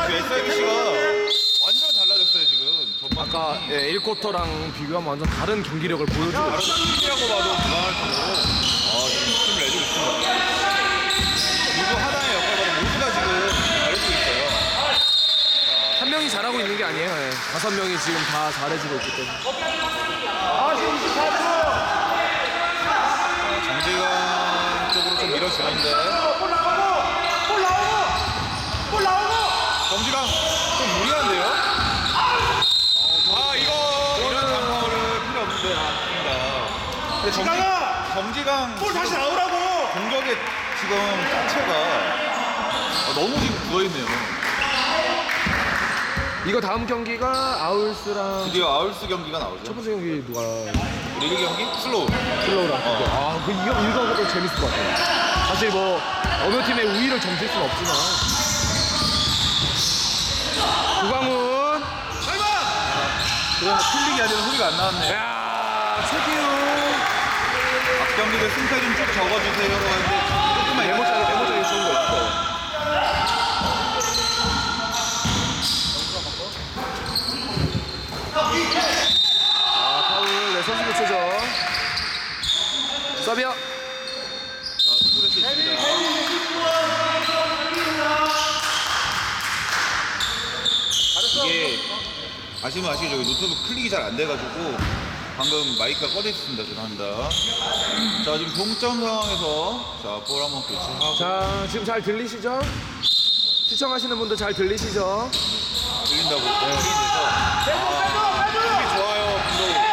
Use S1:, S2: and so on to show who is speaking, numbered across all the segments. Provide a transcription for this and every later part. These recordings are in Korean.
S1: SIBC가 완전 달라졌어요 지금.
S2: 아까 1쿼터랑 비교하면 완전 다른 경기력을 보여주고
S1: 다른 팀이라고 봐도 무방할 정도로 지금 힘을 내주고 있습니다. 누구 하나의 역할보다 모두가 지금 잘해주고 있어요.
S2: 한 명이 잘하고 있는 게 아니에요. 5명이 지금 다 잘해주고 있기 때문에.
S1: 정재관 쪽으로 좀 밀어주는데 정지강 좀 무리한데요? 이거 이런 장면을 필요 없는데 아닙니다. 근데 정지강
S3: 볼 다시 나오라고!
S1: 공격의 지금 자체가 너무 지금 부어있네요.
S2: 이거 다음 경기가 아울스랑
S1: 드디어 아울스 경기가 나오죠.
S2: 첫 번째 경기 누가
S1: 리그 경기? 슬로우.
S2: 슬로우랑 이거 재밌을 것 같아요. 사실 뭐 어느 팀의 우위를 점칠 수는 없지만 구광훈
S1: 그냥 틀리기 아니라 소리가 안 나왔네.
S2: 야 최기훈
S1: 앞경기들 승패 좀 쭉 적어주세요라고 하는데 조금만
S2: 메모장에 좋은 거 있어요. 파울 네 선수 교체죠. 서비어
S1: 스트레스 있습니다. 이게 아시면 아시죠? 노트북 클릭이 잘 안 돼가지고 방금 마이크가 꺼져 있습니다. 죄송합니다. 자 지금 동점 상황에서 볼 한번 교체하고
S2: 자 지금 잘 들리시죠? 시청하시는 분들 잘 들리시죠?
S1: 들린다고 확인돼서 수비 좋아요 김도우.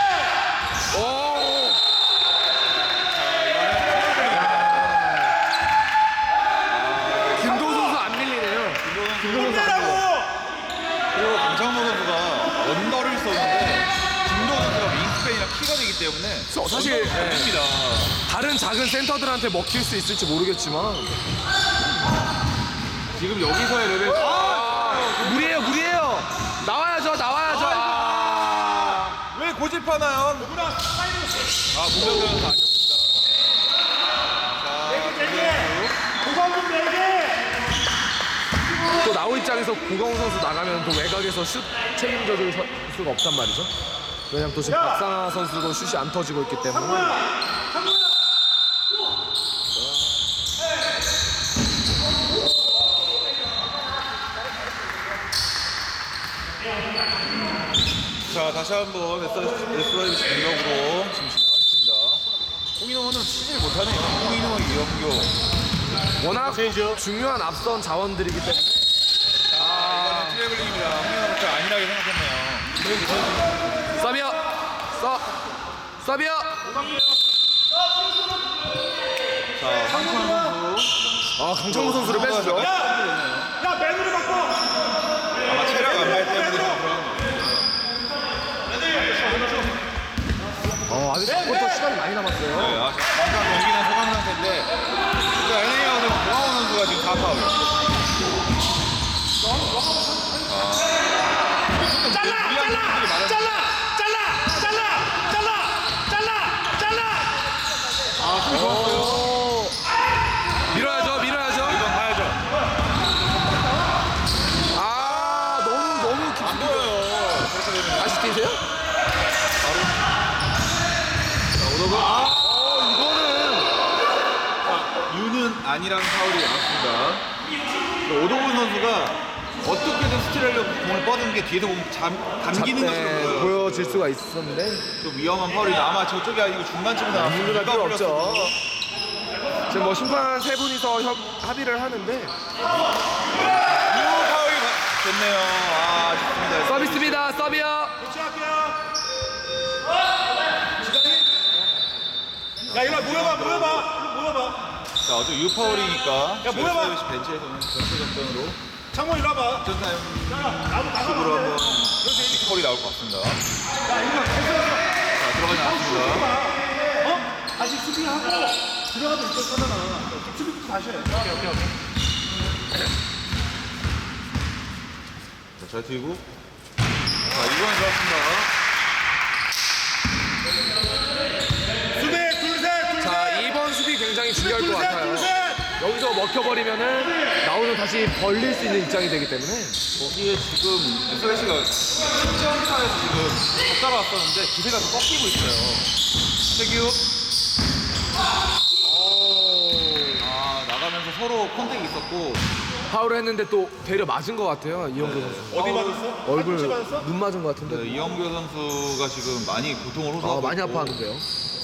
S2: 김도우 선수 안 밀리네요. 김도우 선수 안 밀려.
S1: 그리고 강창모 선수가 언더를 썼는데 김도우 선수가 윙스팬이랑 키가 되기 때문에
S2: 사실
S1: 됩니다.
S2: 다른 작은 센터들한테 먹힐 수 있을지 모르겠지만
S1: 지금 여기서의 레벨
S2: 무리해요. 나와야죠.
S1: 왜 고집하나요? 문병준 선수 아쉽습니다.
S2: 또 나우 입장에서 고강훈 선수 나가면 또 외곽에서 슛 책임져줄 수가 없단 말이죠. 왜냐면 또 지금 박상하 선수도 슛이 안 터지고 있기 때문에.
S1: 자 다시 한번 SYBC 공격으로 지금 진행하겠습니다. 홍인호는 치질 못하네요. 홍인호, 이영교.
S2: 워낙 중요한 앞선 자원들이기 때문에.
S1: 이거는 트래블링입니다. 홍인호부터 안일하게 생각했네요.
S2: 서비어.
S1: 자 황찬 선수.
S2: 강창모 선수를 뺐죠.
S3: 야, 맨으로 바꿔!
S1: 아마 체력 안말 때문에 좀 그런 거.
S2: 아직 4쿼터 시간이 많이 남았어요.
S1: 잠깐 경기는 소강 상태인데 NA하고 고강호 선수가 지금 4파울.
S2: 밀어야죠.
S1: 이건 가야죠.
S2: 너무
S1: 안 보여요. 그렇게 되면
S2: 다시 뛰세요?
S1: 유는 아니라는 파울이 나왔습니다. 오동훈 선수가 어떻게든 스틸하려고 공을 뻗은 게 뒤에서 보면 감기는 것처럼 보여요.
S2: 보여질 수가 있었는데
S1: 좀 위험한 파울이 아마 저쪽이 아니고 중간쯤에서 나왔으면
S2: 물러날
S1: 누가
S2: 필요
S1: 불렸어도
S2: 없죠. 지금 뭐 심판 3분이서 합의를 하는데
S1: 유 파울이 됐네요. 아쉽습니다.
S2: 서비스입니다. 서비어.
S3: 야, 이리 모여봐.
S1: 자, 어제 유 파울이니까
S3: 야, 모여봐.
S1: 벤치에서는 전체 접전으로
S3: 창모 이리 와봐.
S1: 전타임 식으로 한번 폴이 나올 것 같습니다. 자, 들어가지 않았습니다.
S3: 다시 수비하고 들어가도 있었잖아. 수비부터 다시 해. 오케이.
S1: 자, 잘 튀고. 자, 이번엔 좋았습니다.
S3: 수비, 둘, 셋.
S2: 자, 2번 수비 굉장히 중요할 것 같아요.
S3: 둘, 셋.
S2: 여기서 먹혀버리면은 나오는 다시 벌릴 수 있는 입장이 되기 때문에
S1: 거기에 지금 SLC가 10점 차에서 지금 못 따라왔었는데 기세가 좀 꺾이고 있어요. 최규. 나가면서 서로 컨택이 있었고
S2: 파울을 했는데 또 되려 맞은 것 같아요 이영규 선수.
S3: 어디 맞았어?
S2: 얼굴
S3: 팔꿈치 맞았어?
S2: 눈 맞은 것
S1: 네,
S2: 같은데.
S1: 이영규 선수가 지금 많이 고통을 호소하고
S2: 많이
S1: 있고
S2: 아파하는데요.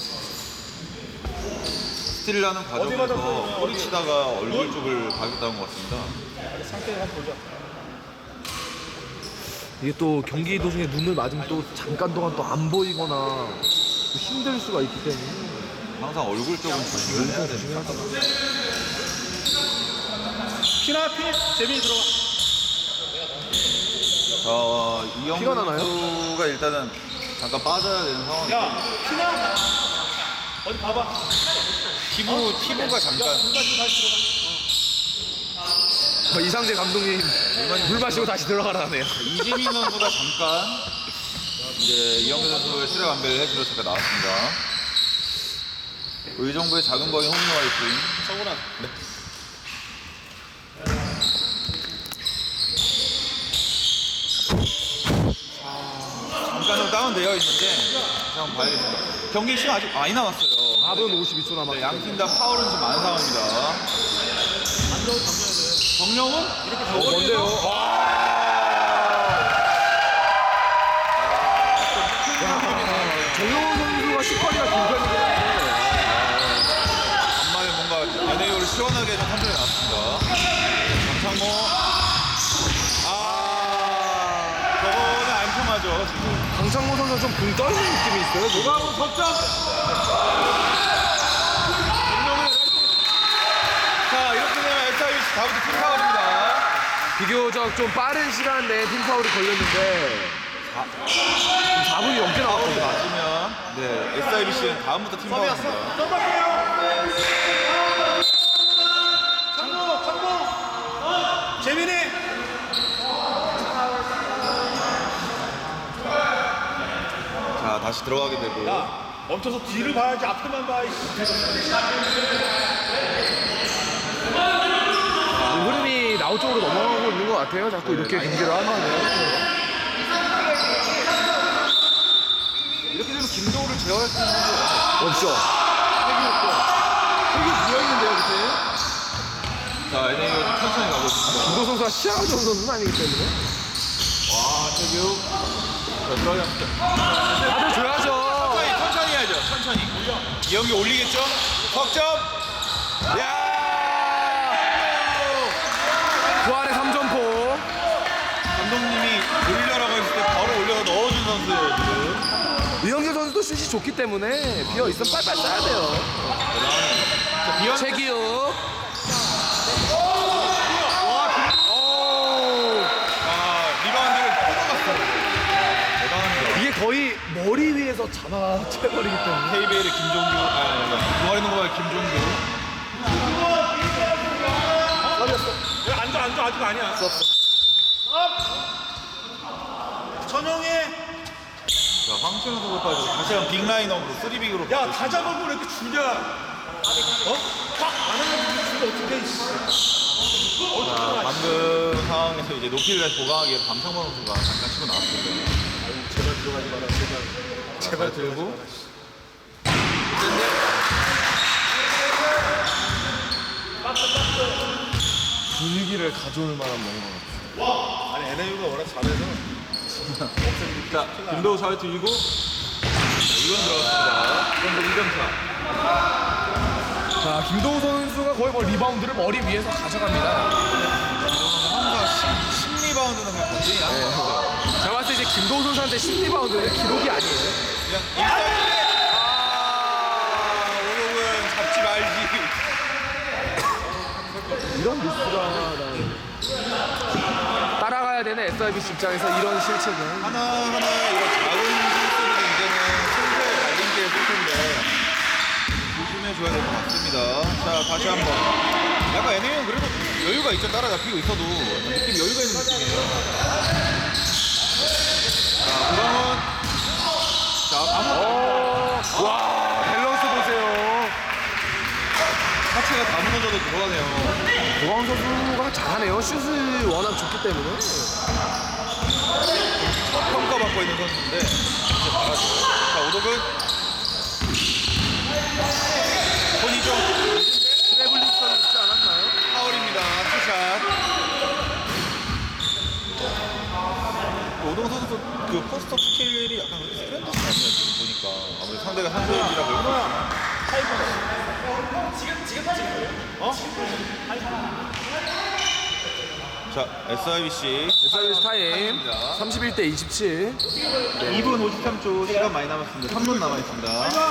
S1: 스틸을 하는 과정에서
S3: 맞았어요?
S1: 허리 치다가 얼굴 쪽을 가겠다는 것 같습니다.
S3: 상태를 한번 보자.
S2: 이게 또 경기 도중에 눈을 맞으면 또 잠깐 동안 또 안 보이거나 또 힘들 수가 있기 때문에
S1: 항상 얼굴 쪽은 조심을 해야 됩니다.
S2: 조심해야 됩니다.
S3: 피나 피 재민이 들어가.
S1: 이영규
S2: 피가 나나요?
S1: 선수가 일단은 잠깐 빠져야 되는 상황이고
S3: 야 피나 어디 봐봐.
S1: 피부가 잠깐
S3: 물 마시고 다시 들어가.
S2: 이상재 감독님 물 마시고 다시 들어가라네요.
S1: 이지민 선수가 잠깐 이제 이영규 선수의 체력 안배를 해주러 잠깐 나왔습니다. 의정부의 작은 거인 홈런 화이팅.
S3: 성훈아.
S1: 네. 잠깐 좀 다운되어 있는데 한번 봐야겠습니다. 경기 시간 아직 많이 남았어요.
S2: 4분 52초 남았어요.
S1: 양 팀 다 파울은 좀 많은 상황입니다. 정령은 이렇게
S2: 뭔데요? 정용훈 선수가 10번이나 긴 편이긴 한데
S1: 간만에 뭔가 NAO를 시원하게 좀 판정이 나왔습니다. 장창모 저거는 안 통하죠 지금.
S2: 강창모 선수가 좀 붕 떠있는 느낌이 있어요.
S3: 노가우 석점.
S1: 자 이렇게 되면 SIBC 다음부터 팀 파울입니다.
S2: 비교적 좀 빠른 시간 내에 팀 파울이 걸렸는데 4분이 넘게
S1: 파울이
S2: 나왔거든요.
S1: 맞으면 네 SIBC는 다음부터 팀 파울입니다.
S3: 창모. 재민이.
S1: 자 다시 들어가게 되고
S3: 야 멈춰서 뒤를 봐야지 앞에만 봐.
S2: 흐름이 나우 쪽으로 넘어가고 있는 것 같아요. 자꾸 이렇게 경기를 하면은.
S1: 이렇게 되면 김도우를 제어할 수 있는 건
S2: 없죠.
S3: 여기 비어있는데요 밑에.
S1: 자 NAO가 천천히 가고 있습니다.
S2: 김도 선수가 시야가 좋은 선수는 아니기 때문에.
S1: 와 태규 자 들어가자.
S2: 다들 줘야죠.
S1: 천천히 해야죠. 천천히. 이영기 올리겠죠? 석점. 야!
S2: 부활의 3점포.
S1: 감독님이 올려라고 했을 때 바로 올려서 넣어준 선수예요 지금.
S2: 이영규 선수도 슛이 좋기 때문에 비어 있으면 빨빨 쏴야 돼요.
S1: 자, 비언.
S2: 최기욱.
S1: 리바운드를 뻗어갔어요. 대단합니다.
S2: 이게 거의 머리 위에서 잡아채버리기 때문에.
S1: KBL의 김종규, 동아리 농구의 김종규.
S3: 야 앉아 아직 아니야. 천영이.
S1: 자, 황철현 선수까지 다시 한번 빅라인업으로 3빅으로.
S3: 야 다 잡아고 왜 이렇게 주냐. 확안 하면 주면 어떻게.
S1: 방금 상황에서 이제 높이를 다시 보강하기 위해서 강창범 선수가 잠깐 치고 나왔습니다.
S3: 제발 들어가지 마라 제발.
S1: 제발 들고.
S2: 분위기를 가져올 만한 뭔가.
S3: 아니 NAU가 워낙 잘해서.
S1: 자, 김도우 잘 들고. 이건 들어갔습니다. 이건 뭐 2점 차.
S2: 자, 김도우 선수가 거의 뭐 리바운드를 머리 위에서 가져갑니다.
S1: 항상 10리바운드는 그냥 건진이 나는 것 같아요.
S2: 제가 봤을 때 이제 김도우 선수한테 10리바운드는 기록이 아니에요.
S1: 그냥 일단 오목은 잡지 말지.
S2: 이런 미스가 따라가야 되는 SIBC 입장에서 이런 실책은
S1: 하나하나의 이런 작은 실수들이 이제는 승부의 갈림길에 설 텐데 조심해줘야 될 것 같습니다. 자, 다시 한번. 약간 NA는 그래도 여유가 있죠. 따라잡히고 있어도 느낌 여유가 있는 느낌이에요. 자, 구강은 자, 아무
S2: 와, 밸런스 보세요.
S1: 자체가 다 무너져도 들어가네요.
S2: 고광 선수가 잘하네요. 슛을 워낙 좋기 때문에.
S1: 평가받고 있는 선수인데 진짜 잘하죠. 자, 오덕은 손이죠.
S2: 트래블링 선 있지 않았나요?
S1: 파울입니다. 투샷. 오동 선수 그 포스트업 스킬이 약간 그렇게 세련되지 않네요. 지금 보니까 아무래도 상대가 한소연이라 그럴까. 자, SIBC
S2: 서비스 타임 31대 27.
S1: 2분 53초 시간 많이 남았습니다. 3분 남아있습니다.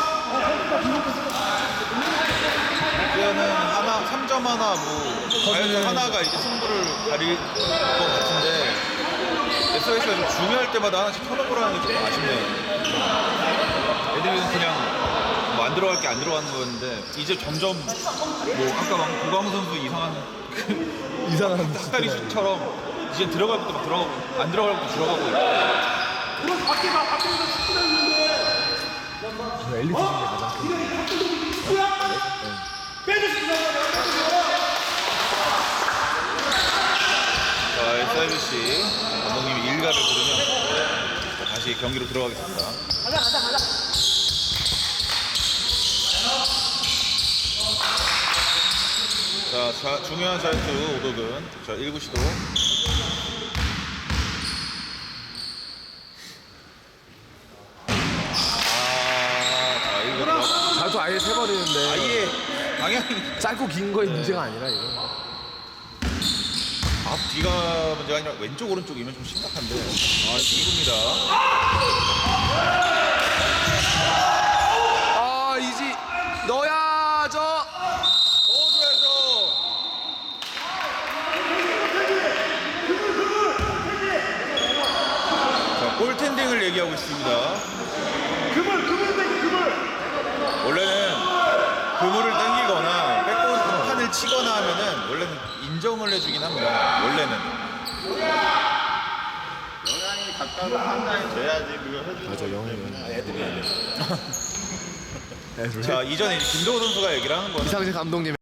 S1: 이제는 하나, 3점 하나, 뭐, 과연 하나가 이제 승부를 가릴 것 같은데, SIS가 좀 중요할 때마다 하나씩 턴오버를 하는 게 좀 아쉽네요. 애들은 그냥 뭐 안 들어갈 게 안 들어가는 거였는데, 이제 점점, 뭐, 아까 막 고광 선수 이상한 닭다리 슛처럼 이제 들어갈 것도 막 들어가고, 안 들어갈 것도 들어가고 있고.
S3: 그럼 밖에서 축구를 했는데
S2: 엘리트 중에 가장 큰.
S3: 빼줄 수 있는 거야.
S1: 자, SIBC 감독님이 일가를 부르면 자, 다시 경기로 들어가겠습니다. 자, 중요한 자유투 오덕은 자 1구 시도. 자 1구 들어가.
S2: 자유투 아예 세버리는데
S1: 아예 방향이
S2: 짧고 긴 거의 문제가 아니라 이거.
S1: 앞 뒤가 문제가 아니라 왼쪽 오른쪽이면 좀 심각한데. 2구입니다.
S2: 아 이지 넣어야죠.
S1: 넣어줘야죠. 자, 골텐딩을 얘기하고 있습니다. 원래는 그물을 당기거나 백보드판을 치거나 하면은 원래는 인정을 해주긴 합니다. 원래는.
S4: 영향이 가까운 판단이 돼야지 그걸 해주는
S2: 맞아 영웅이.
S1: 자, 이전에 이제 김도호 선수가 얘기를 하는 거는
S2: 이상재 감독님의